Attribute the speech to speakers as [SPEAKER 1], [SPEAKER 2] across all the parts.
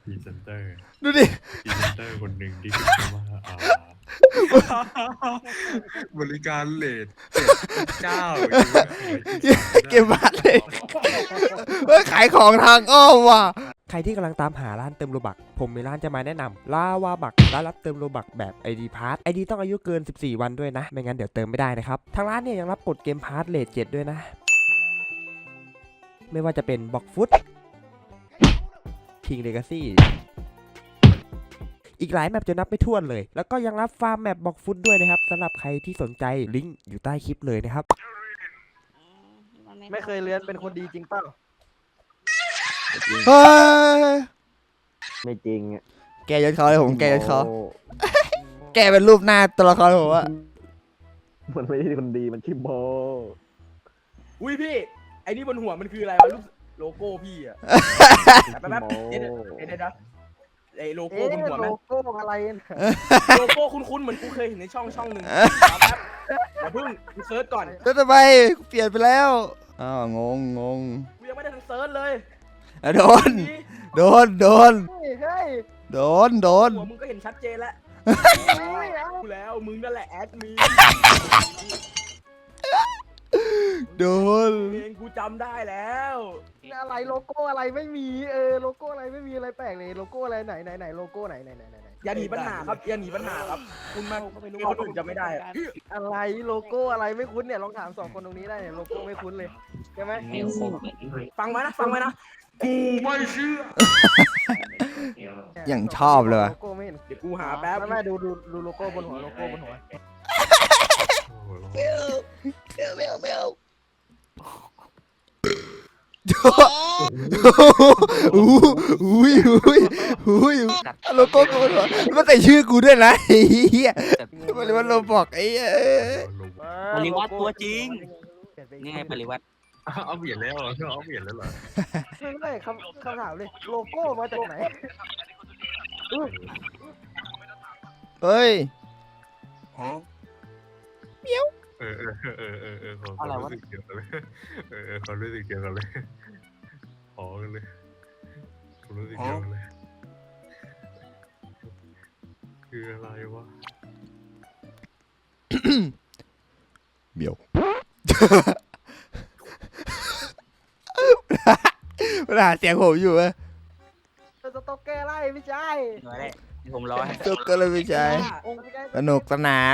[SPEAKER 1] พรีเซนเตอร์
[SPEAKER 2] ดูดิ
[SPEAKER 1] พรีเซนเตอร์คนหนึ่งที่ขึ้นมาว่าบริการเลทเจ้า
[SPEAKER 2] เก็บบัตรเลยเฮ้ยขายของทางอ้อมว่ะใครที่กำลังตามหาร้านเติมโลบักผมมีร้านจะมาแนะนำลาวาบักร้านรับเติมโลบักแบบ ID พาร์ท ID ต้องอายุเกิน14วันด้วยนะไม่งั้นเดี๋ยวเติมไม่ได้นะครับทางร้านเนี่ยยังรับกดเกมพาร์ทเลท7ด้วยนะไม่ว่าจะเป็นบ็อกฟุตคิงเลกาซี่อีกหลายแมปจะนับไม่ถ้วนเลย แล้วก็ยังรับฟาร์มแมปบ็อกฟุตด้วยนะครับสำหรับใครที่สนใจลิงก์อยู่ใต้คลิปเลยนะครับ
[SPEAKER 3] ไม่เคยเรียนเป็นคนดีจริงเปล่า
[SPEAKER 2] เฮ้ย
[SPEAKER 3] ไม่จริงอ่ะ
[SPEAKER 2] แกยศเขาเลยผมแกยศเขาแกเป็นรูปหน้าตัวละครผมอะ
[SPEAKER 3] มันไม่ใช่คนดีมันชื่อโบ
[SPEAKER 4] อุ้ยพี่ไอ้นี่บนหัวมันคืออะไรวะรูปโลโก้พี่อะแป๊บๆเดี๋ยวนะไอ้โลโก้บนหัว
[SPEAKER 3] โล
[SPEAKER 4] มัน
[SPEAKER 3] โก้อะไร
[SPEAKER 4] โลโก้คุ้นๆเหมือนกูเคยเห็นในช่องหนึ่งแป๊บอย่าเพิ่งกูเซิร์ชก่อน
[SPEAKER 2] แล้วทำไมเปลี่ยนไปแล้วอ้าวงง
[SPEAKER 4] กูยังไม่ได้ทันเซิร์ชเลย
[SPEAKER 2] โดน โดน
[SPEAKER 3] เฮ้ย
[SPEAKER 2] โดน
[SPEAKER 4] หัวมึงก็เห็นชัดเจนแล้วกูแล้วมึงนั่นแหละแอดมิน
[SPEAKER 2] โดน
[SPEAKER 4] เองกูจำได้แล้ว
[SPEAKER 3] อะไรโลโก้อะไรไม่มีโลโก้อะไรไม่มีอะไรแปลกเลยโลโก้อะไรไหนโลโก้ไหน
[SPEAKER 4] อย่าหนีปัญหาครับอย่าหนีปัญหาครับคุณมาคนอื่นจะไม่ได้อะ
[SPEAKER 3] อะไรโลโก้อะไรไม่คุ้นเนี่ยลองถาม2คนตรงนี้ได้เนี่ยโลโก้ไม่คุ้นเลยใช่ไหม
[SPEAKER 4] ฟังไว้นะกูไม่เชื่อ
[SPEAKER 2] อย่างชอบเลยว่ะ
[SPEAKER 3] โลโก้ไม่เห็น
[SPEAKER 4] เดี๋ยวกูหาแป๊บ
[SPEAKER 3] ไม่ดูโลโก้บนหัวโลโก้บนหัว
[SPEAKER 2] อุ้ยโลโก้กูเหรอมันใส่ชื่อกูด้วยนะไอ้เหี้ยมันเลยว่าโลบอกไอ้เหี้ย
[SPEAKER 5] ปริวัติตัวจริง นี่ไงปริวัติ
[SPEAKER 1] เอาเปลี่ยนแล้วเหรอเอาเปลี่ยนแล้วเหรอ
[SPEAKER 3] ไม่คำถามเลยโลโก้มาจากไหน
[SPEAKER 2] เฮ้ย
[SPEAKER 1] ความรู้สึกเดียวกันเลยความรู้สึกเดียวกันเลยขอกันเลยความรู้สึกเดียวกันเลยคืออะไรวะ
[SPEAKER 2] เบียวมันหาเสียงผมอยู่ไหม
[SPEAKER 3] สต๊อกเกอร์ไล่ไม่ใช่
[SPEAKER 5] มาได้เดี๋ยวผมรอให้
[SPEAKER 2] ตุ๊กก็เลยไม่ใช่
[SPEAKER 3] องค์ไม่ใช่
[SPEAKER 2] สนุกสนาน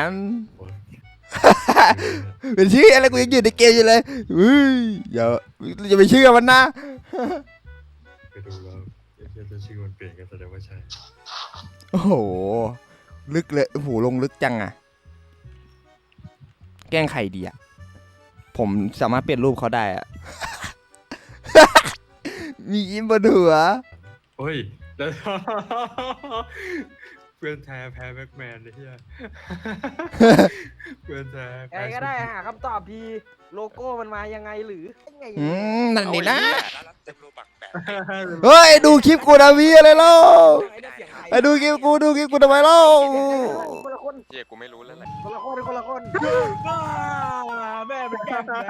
[SPEAKER 2] เป็นชื่ออะไรกูยังอยู่ในเกมอยู่เลยอย่าไปเชื่อมันนะ
[SPEAKER 1] ไปดูแล้วจะชื่อมันเปลี่ยนกันแสดงว่าใช่
[SPEAKER 2] โอ้โหลึกเลยโอ้โหลงลึกจังอะแกล้งใครดีอะผมสามารถเปลี่ยนรูปเขาได้อะ มียิ้มบนหัว
[SPEAKER 1] โอ้ยแล้วเพื่อนแท้แพ้แบ็กแมนเลยเฮียเพื่อนแท้
[SPEAKER 3] ไงก็ได้หาคำตอบทีโลโก้มันมายังไงหรือยังไง
[SPEAKER 2] นั่นนี่นะเฮ้ยดูคลิปกูนะวีอะไรเล่าไอ้ดูคลิปกูทำไมเล่า
[SPEAKER 3] คนละคน
[SPEAKER 6] เจ๊กูไม่รู้แล้วแหละ
[SPEAKER 3] คนละคน
[SPEAKER 4] บ้าแม่เป็นแก้มแล้ว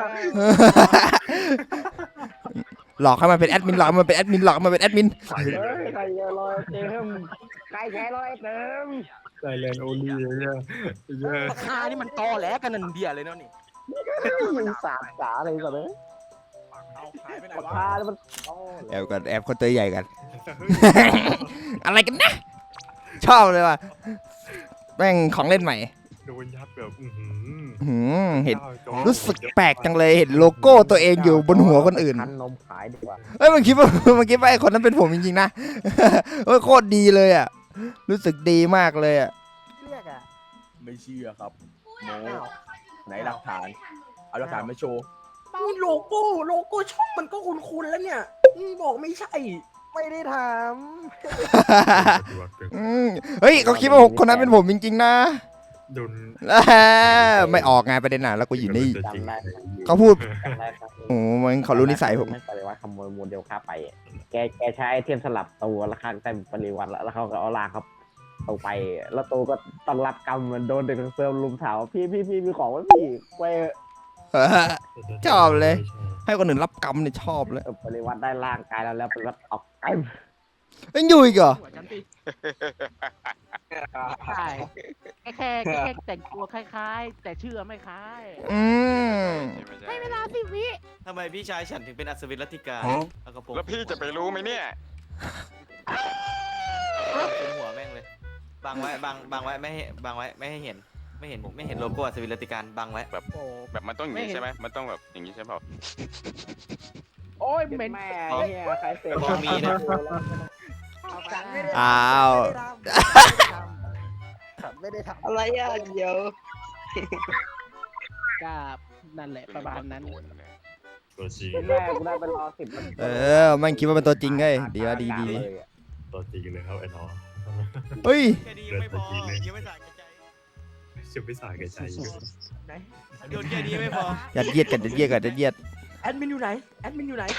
[SPEAKER 2] หลอกให้มันเป็นแอดมินหลอกให้มันเป็นแอดมินหลอกให้มันเป็นแอดมิน
[SPEAKER 3] ใครลอยเต็มใครแค่ลอยเต็ม
[SPEAKER 1] ไซเลนโอลี่เนี่ย
[SPEAKER 4] ราคานี่มันตอแหลกันนันเดียเลยเนาะนี่
[SPEAKER 3] ยิงสาดจ๋าเลยก่อนเลย
[SPEAKER 4] เอาหายไปไหนวะ
[SPEAKER 3] พาแล้วมัน
[SPEAKER 2] แอบกันแอบคนตัวใหญ่กัน อะไรกันนะชอบเลยว่ะแม่งของเล่นใหม่
[SPEAKER 1] โดนยัดแบบ
[SPEAKER 2] เห็นรู้สึกแปลกจังเลยเห็นโลโก้ตัวเองอยู่บนหัวคนอื่น
[SPEAKER 3] คันนมขายดีกว่า
[SPEAKER 2] เอ้ยมันคิดว่าไอ้คนนั้นเป็นผมจริงๆนะ เฮ้ยโคตรดีเลยอ่ะรู้สึกดีมากเลยอ่ะ
[SPEAKER 3] เรียกอ่ะ
[SPEAKER 4] ไม่เชื่อครับโมไหนหลักฐานเอาหลักฐานมาโชว์โลโก้ช่องมันก็คุ้นๆแล้วเนี่ยบอกไม่ใช่
[SPEAKER 3] ไม่ได้ถาม
[SPEAKER 2] เฮ้ยเขาคิดว่าคนนั้นเป็นผมจริงๆนะ
[SPEAKER 1] โดน
[SPEAKER 2] ไม่ออกไงประเด็นน่ะแล้วกูอยู่นี่
[SPEAKER 1] จริง
[SPEAKER 2] เขาพูด
[SPEAKER 3] จำได้ครับ
[SPEAKER 2] โอ้มันเขารู้นิสัยผม
[SPEAKER 3] ไม่ปริวัติขโมยโมเดลค่าไปแกใช้ไอเทมสลับตัวแล้วข้างแต่ปริวัติแล้วเขาก็เอาลากครับตัวไปแล้วตัวก็ต้องรับกรรมมันโดนเด็กทั้งเซิร์ฟลุมถามว่าพี่มีของไหมพี่ไป
[SPEAKER 2] ชอบเลย ให้คนอื่นรับกรรมเนี่ยชอบเลย
[SPEAKER 3] ปริวัติได้ร่างกายแล้วปริวัติออกไกล
[SPEAKER 2] ยังอยู่อีกเหรอ
[SPEAKER 6] หัวฉันสิใช่แค่แต่งตัวคล้ายๆ แต่ชื่อไม่คล้าย
[SPEAKER 2] อืม
[SPEAKER 6] ให้เวลา10 วิ
[SPEAKER 5] ทำไมพี่ชายฉันถึงเป็นอัศวินรัตติกาเอากระโปรง
[SPEAKER 7] แล้วพี่จะไปรู้ไหมเนี่ย
[SPEAKER 5] เป็นหัวแม่งเลยบังไว้บังไว้ไม่ให้บังไว้ไม่ให้เห็นไม่เห็นโลโก้อัศวินรัตติการบังไว้
[SPEAKER 6] โอ้
[SPEAKER 7] แบบมันต้องอย่างนี้ใช่ไหมมันต้องแบบอย่างนี้ใช่เปล่า
[SPEAKER 6] โอ้ยเหม็น
[SPEAKER 3] แม่เฮียใครเสพ
[SPEAKER 5] พอมีนะ
[SPEAKER 3] ฉันไม่ได้
[SPEAKER 2] อ้าว
[SPEAKER 3] ฉันไม่ได้ทำ
[SPEAKER 4] อะไรอ่ะเดี๋ยว
[SPEAKER 6] กับนั่นแหละประมาณนั้น
[SPEAKER 1] ตัวจริง
[SPEAKER 3] แม่กูได้ไปรอ10 นาที
[SPEAKER 2] เออแม่งคิดว่าเป็นตัวจริงไงดีวะดี
[SPEAKER 1] ตัวจริงเลยครับไอ้น้อง
[SPEAKER 2] เฮ้ย
[SPEAKER 5] แค่นี้ยังไม่พอยังไม่สาแก่ใจ
[SPEAKER 1] จะไม่สายแก่ใจอยู่
[SPEAKER 5] โยนแค่นี้ไม่พอ
[SPEAKER 2] ยัดเยียดกันยัดเยียดกันยัดเยียด
[SPEAKER 4] แอดมินอยู่ไหนแอดมินอยู่ไหน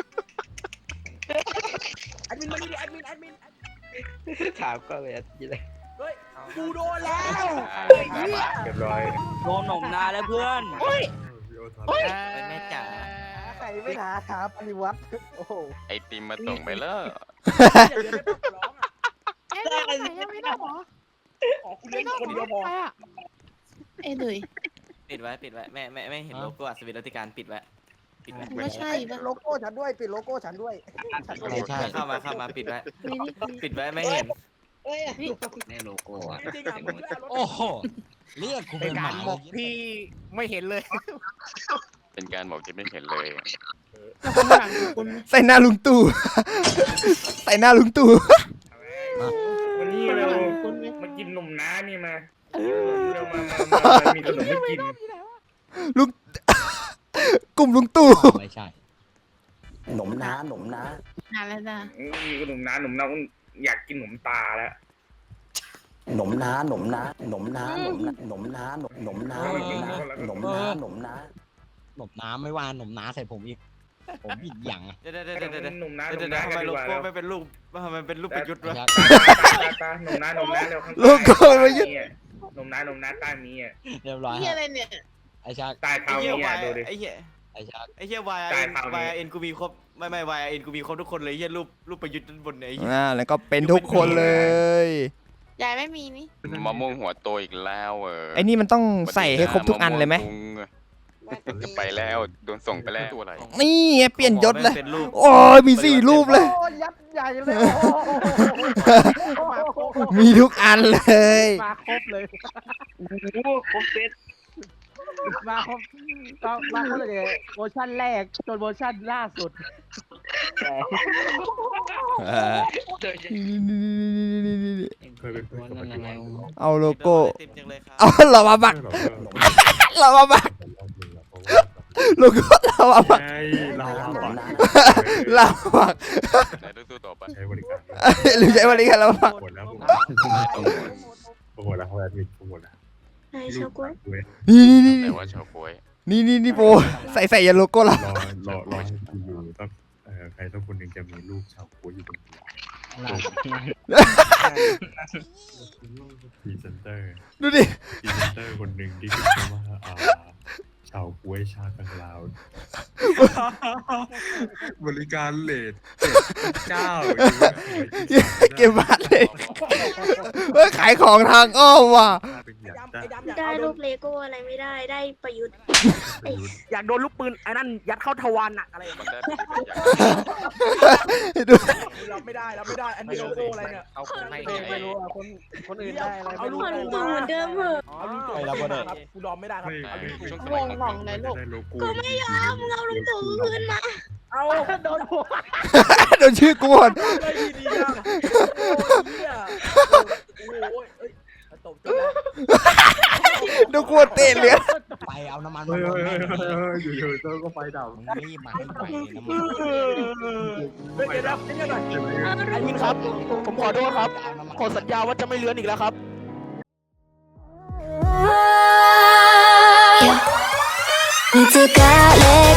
[SPEAKER 4] แอดมินมาดิแอดมินถามก็เลยอะไรเฮ้ยกูโดนแล้ว
[SPEAKER 1] เรียบร้อย
[SPEAKER 5] โดนหนมนาแล้วเพื่อน แม่จ๋า
[SPEAKER 3] ใครไม่หาถามปริวัติโอ้โห
[SPEAKER 7] ไอติมมาส่งไปแล้ว
[SPEAKER 4] เดี๋ยวได้ต้องร้องอ่ะ
[SPEAKER 6] ได้ยังไม่ได้หรอ
[SPEAKER 4] ขอคุณเล่นคนเดียวพอ
[SPEAKER 8] เอ้ยเลย
[SPEAKER 5] ปิดไว้ไม่เห็นโลโก้อัศวินรัตติการปิดไว้
[SPEAKER 8] ไม่ใช่ปะ
[SPEAKER 3] โลโก้ฉันด้วยปิดโลโก้ฉันด้วย
[SPEAKER 5] เข้ามาปิดไว้
[SPEAKER 8] ไม่นี่
[SPEAKER 5] ปิดไว้ไม่เห็น
[SPEAKER 9] ในโลโก้อะ
[SPEAKER 4] จริงๆอ่ะมึงไม่เอารถ
[SPEAKER 9] โอ้โหเรียกกูเป็นหมา
[SPEAKER 6] ที่ไม่เห็นเลย
[SPEAKER 7] เป็นการบอกที่ไม่เห็นเลย
[SPEAKER 2] ใส่หน้าลุงตู่ ใส่หน้าลุงตู่
[SPEAKER 1] วันนี้เรา
[SPEAKER 8] คุณไหม
[SPEAKER 1] มากินนมน้านี่มาเรามามีขนมให้กิน
[SPEAKER 2] ลุง กลุ่มลุงตู่
[SPEAKER 9] ไม่ใช่
[SPEAKER 3] หนมน้า
[SPEAKER 8] นานแล้วนะ
[SPEAKER 1] มีขนมน้าอยากกินขนมตาแล้ว
[SPEAKER 3] หนมน้า
[SPEAKER 9] หนมน้ำไม่ว่าหนมน้าใส่ผมอีก ผมอีกอย่างอะ
[SPEAKER 5] เดี๋ยวทำไมโลโก้ไม่เป็นรูปทำไมเป็นรูปประยุทธ์วะ
[SPEAKER 1] ตาหนมน้าเร็วข้าง
[SPEAKER 2] โลโก้ไม่ยึด
[SPEAKER 1] หนมน้าใต้นี้อ่ะ
[SPEAKER 9] เรียบร้อย
[SPEAKER 8] นี่อะไรเนี่ย
[SPEAKER 9] ไอ้ชา
[SPEAKER 1] ใต้เท้า
[SPEAKER 5] ไอ้เหี้ย
[SPEAKER 1] นี้
[SPEAKER 5] วา
[SPEAKER 1] อ่ะ
[SPEAKER 5] ย
[SPEAKER 1] ดูดิ
[SPEAKER 5] ไอ้เหี้ย
[SPEAKER 9] ไอ้ชา
[SPEAKER 5] ไอ้เหี้ยวาย
[SPEAKER 1] ใต้เท้านี้
[SPEAKER 5] วายเอ็นกูมีครบไม่วายเอ็นกูมีครบทุกคนเลยเหี้ยรูปประยุทธ์ด้านบนเนี่ยไอ้เหี้ย
[SPEAKER 2] แล้วก็เป็นทุกคนเลย
[SPEAKER 8] ยายไม่มีนี่
[SPEAKER 7] มะม่วงหัวโตอีกแล้ว
[SPEAKER 2] ไอ้นี่มันต้องใส่ให้ครบทุกอันเลยไหม
[SPEAKER 7] จะไปแล้วโดนส่งไปแล้วตัวอะไร
[SPEAKER 2] นี่ไงเปลี่ยนยศเลย
[SPEAKER 5] เป็นรูป
[SPEAKER 2] โอ้ยมี4 รูปเลย
[SPEAKER 3] โอ้ยัดใหญ่เลย
[SPEAKER 2] มีทุกอันเลย
[SPEAKER 6] มาครบเลย
[SPEAKER 4] ครบเซต
[SPEAKER 6] มาครบมาครบเลยเวอร์ชันแรกจนเวอร์ชันล่าสุด
[SPEAKER 1] เคยเป็นเพื่อนกับมันอยู่
[SPEAKER 2] เอาโลโก้
[SPEAKER 5] เต็มจังเลยครับ
[SPEAKER 2] เอาเรามาบัก เรามาบัก โลโก้เรามาบัก
[SPEAKER 1] เรา
[SPEAKER 2] เรามาบัก
[SPEAKER 7] ไหนดูตัวต่อไป
[SPEAKER 1] ใช้บริการ
[SPEAKER 2] หรือใช้บริการเรามาบัก
[SPEAKER 1] หมดแล้วผม
[SPEAKER 7] ต้อง
[SPEAKER 1] หมดแล้วเขาแอดมินหมดแล้ว
[SPEAKER 8] ใช่ชาวกล้วย
[SPEAKER 2] นี่
[SPEAKER 7] แต่ว่าชาวโวย
[SPEAKER 2] นี่โปใส่ยันโลโก้เรา
[SPEAKER 1] รอให้อยู่ต้องใครต้องคนหนึ่งจะมีลูกชาวโคอยู่บนหัวพรีเซนเตอร์
[SPEAKER 2] ดูดิ
[SPEAKER 1] พรีเซนเตอร์คนหนึ่งที่คิดว่าชาวกล้วยชาตังลาวบริการเลทเจ้า
[SPEAKER 2] เก็บบัตรเลยเฮ้ยขายของทางอ้อมว่ะ
[SPEAKER 8] ได้รูปเลโก้อะไรไม่ได้ได้ประยุทธ์
[SPEAKER 4] อยากโดนลูกปืนไอ้นั่นยัดเข้าทวารหนักอะไร
[SPEAKER 7] มันได้เป็นอย่าง
[SPEAKER 2] ดู
[SPEAKER 4] รับไม่ได้อันนี้โลโก้อะไรเนี่ย
[SPEAKER 9] เอาคนให้
[SPEAKER 3] ไม่รู้อ่ะคนอื่นได้อะไร
[SPEAKER 4] เอา
[SPEAKER 3] ไม่
[SPEAKER 4] ลู
[SPEAKER 3] รู้
[SPEAKER 4] ก
[SPEAKER 8] คนตู่เหมือนเดิมเหอะ
[SPEAKER 4] เอาลูกตู่ครับกูยอมไม่ได้ครับเอาลูกตู่
[SPEAKER 7] ช่วงส
[SPEAKER 8] ว
[SPEAKER 7] มัย
[SPEAKER 8] ง
[SPEAKER 7] ของ
[SPEAKER 8] หว่องเลยลูก
[SPEAKER 1] กูไม่ยอม
[SPEAKER 8] มึงเอาลุงตู่คืนมา
[SPEAKER 4] เอาโดนหัว
[SPEAKER 2] โดนชื่อกูหมด
[SPEAKER 4] เลยดีๆอ่ะโอ้ยเอ้ยตบจบแล้ว
[SPEAKER 2] ดูกวดเตะเหลือ
[SPEAKER 9] ไปเอาน้ำมัน
[SPEAKER 1] เฮ้
[SPEAKER 9] มาย ลง
[SPEAKER 1] เฮ้ย
[SPEAKER 9] แม่ง
[SPEAKER 1] เฮ้ยอยู่ๆเจ้าก็ไฟดับ
[SPEAKER 9] มึงรีบมาให้ไปน้ำมัน
[SPEAKER 4] เดี๋ยวนี่หน่อย
[SPEAKER 1] ใช่ไหม
[SPEAKER 4] ไอ้มินครับ ผมขอโทษครับ
[SPEAKER 9] เอาน้ำมัน
[SPEAKER 4] ขอสัญญาว่าจะไม่เลื้อนอีกแล้วครับ
[SPEAKER 8] 疲れ